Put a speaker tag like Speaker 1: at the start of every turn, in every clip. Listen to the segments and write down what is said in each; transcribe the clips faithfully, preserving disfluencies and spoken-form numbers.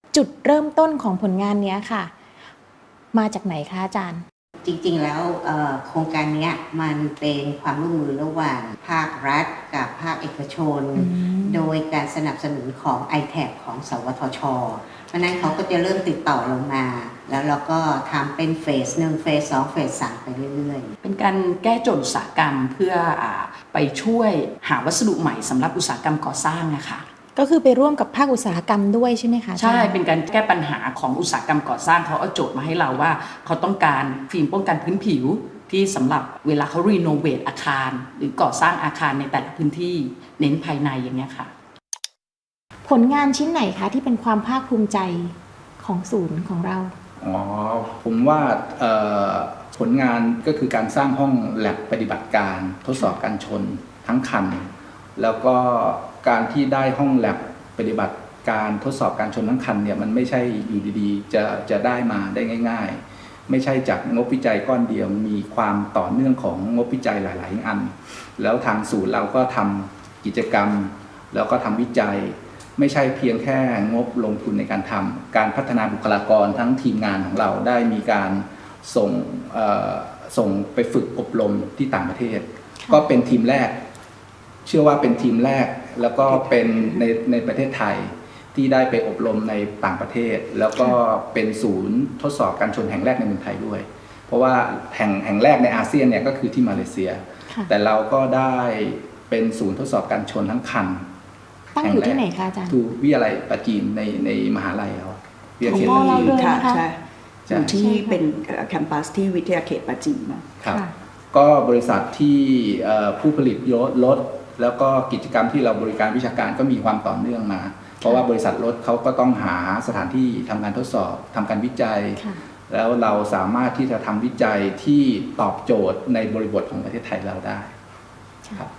Speaker 1: จุดเริ่มต้นของผลงานนี้ค่ะมาจากไหนคะอาจารย์
Speaker 2: จริงๆแล้วโครงการนี้มันเป็นความร่วมมือระหว่างภาครัฐกับภาคเอกชนโดยการสนับสนุนของ ไอ ที เอ บี ของสวทช.เพราะนั้นเขาก็จะเริ่มติดต่อลงมาแล้วเราก็ทำเป็นเฟสหนึ่งเฟสสองเฟสสามไปเรื่อยๆ
Speaker 3: เป็นการแก้โจทย์อุตสาหกรรมเพื่อไปช่วยหาวัสดุใหม่สำหรับอุตสาหกรรมก่อสร้างนะคะ
Speaker 1: ก็คือไปร่วมกับภาคอุตสาหกรรมด้วยใช่ไหมคะ
Speaker 3: ใช่เป็นการแก้ปัญหาของอุตสาหกรรมก่อสร้างเขาเอาโจทย์มาให้เราว่าเขาต้องการฟิล์มป้องกันพื้นผิวที่สำหรับเวลาเขารีโนเวทอาคารหรือก่อสร้างอาคารในแต่ละพื้นที่เน้นภายในอย่างเงี้ยค่ะ
Speaker 1: ผลงานชิ้นไหนคะที่เป็นความภาคภูมิใจของศูนย์ของเรา
Speaker 4: อ๋อผมว่าผลงานก็คือการสร้างห้องแลบปฏิบัติการทดสอบการชนทั้งคันแล้วก็การที่ได้ห้องแลบปฏิบัติการทดสอบการชนทั้งคันเนี่ยมันไม่ใช่อยู่ดีๆจะจะได้มาได้ง่ายๆไม่ใช่จากงบวิจัยก้อนเดียวมีความต่อเนื่องของงบวิจัยหลายๆอันแล้วทางศูนย์เราก็ทำกิจกรรมแล้วก็ทำวิจัยไม่ใช่เพียงแค่งบลงทุนในการทำการพัฒนาบุคลากรทั้งทีมงานของเราได้มีการส่งส่งไปฝึกอบรมที่ต่างประเทศก็เป็นทีมแรกเชื่อว่าเป็นทีมแรกแล้วก็เป็นในในประเทศไทยที่ได้ไปอบรมในต่างประเทศแล้วก็เป็นศูนย์ทดสอบการชนแห่งแรกในเมืองไทยด้วยเพราะว่าแห่งแห่งแรกในอาเซียนเนี่ยก็คือที่มาเลเซียแต่เราก็ได้เป็นศูนย์ทดสอบการชนทั้งคัน
Speaker 1: ตั้งอยู่ที่ไหนคะอาจารย์
Speaker 4: ทูวิทยาลัยปราจีนในในมหาลัยเรา
Speaker 1: วิทยาเขตปราจีน
Speaker 5: ค่ะใช่อยู่ที่เป็นแคมปัสที่วิทยาเขตปราจีน
Speaker 4: นะครับก็บริษัทที่ผู้ผลิตรถแล้วก็กิจกรรมที่เราบริการวิชาการก็มีความต่อเนื่องมาเพราะว่าบริษัทรถเขาก็ต้องหาสถานที่ทำการทดสอบทำการวิจัยแล้วเราสามารถที่จะทำวิจัยที่ตอบโจทย์ในบริบทของประเทศไทยเราได้ครับ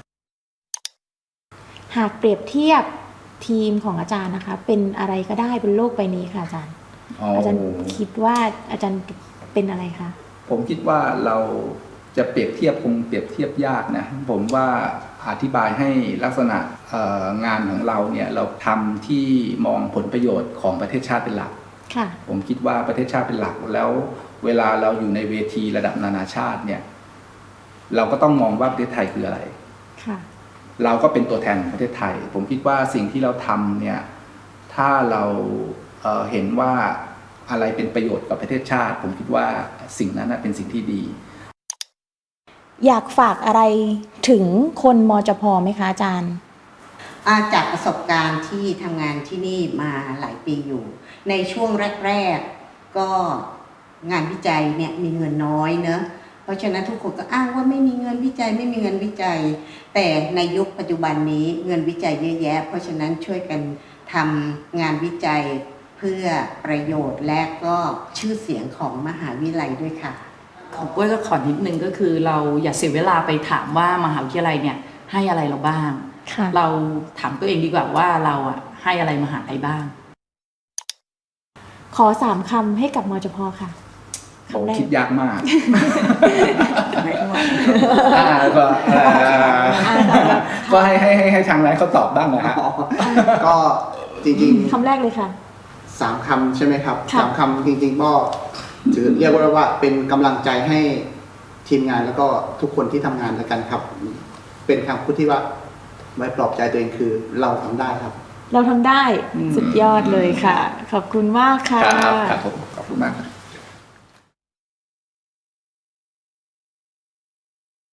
Speaker 1: หากเปรียบเทียบทีมของอาจารย์นะคะเป็นอะไรก็ได้บนโลกใบนี้ค่ะอาจารย์ อ, อาจารย์คิดว่าอาจารย์เป็นอะไรคะ
Speaker 4: ผมคิดว่าเราจะเปรียบเทียบคงเปรียบเทียบยากนะผมว่าอธิบายให้ลักษณะงานของเราเนี่ยเราทำที่มองผลประโยชน์ของประเทศชาติเป็นหลักผมคิดว่าประเทศชาติเป็นหลักแล้วเวลาเราอยู่ในเวทีระดับนานาชาติเนี่ยเราก็ต้องมองว่าประเทศไทยคืออะไรเราก็เป็นตัวแทนของประเทศไทยผมคิดว่าสิ่งที่เราทำเนี่ยถ้าเรา เ, เห็นว่าอะไรเป็นประโยชน์กับประเทศชาติผมคิดว่าสิ่งนั้นเป็นสิ่งที่ดี
Speaker 1: อยากฝากอะไรถึงคนมจพ.ไหมคะอาจารย์
Speaker 2: จากประสบการณ์ที่ทำงานที่นี่มาหลายปีอยู่ในช่วงแรกๆก็งานวิจัยเนี่ยมีเงินน้อยเนอะเพราะฉะนั้นทุกคนก็อ้างว่าไม่มีเงินวิจัยไม่มีเงินวิจัยแต่ในยุคปัจจุบันนี้เงินวิจัยเยอะแยะเพราะฉะนั้นช่วยกันทำงานวิจัยเพื่อประโยชน์และก็ชื่อเสียงของมหาวิทยาลัยด้วยค่ะ
Speaker 3: ของปุ้ยก็ขอนิดนึงก็คือเราอย่าเสียเวลาไปถามว่ามหาวิทยาลัยเนี่ยให้อะไรเราบ้างเราถามตัวเองดีกว่าว่าเราอ่ะให้อะไรมหาลัยบ้าง
Speaker 1: ขอสามคำให้กับมจพ.ค่ะ
Speaker 4: โอ้คิดยากมาก
Speaker 5: ไม่ไหว
Speaker 4: ก็ก็ให้ให้ให้ทางนั้นเขาตอบบ้างนะฮะ
Speaker 6: ก็จริงๆ
Speaker 1: คำแรกเลยค่ะ
Speaker 6: สามคำใช่ไหมครับสามคำจริงๆก็ถือเรียกว่าว่าเป็นกำลังใจให้ทีมงานแล้วก็ทุกคนที่ทำงานแล้วกันครับเป็นคำพูดที่ว่าไว้ปลอบใจตัวเองคือเราทำได้ครับ
Speaker 1: เราทำได้สุดยอดเลยค่ะขอบคุณมากค่ะ
Speaker 4: ครับผมขอบคุณมากครับ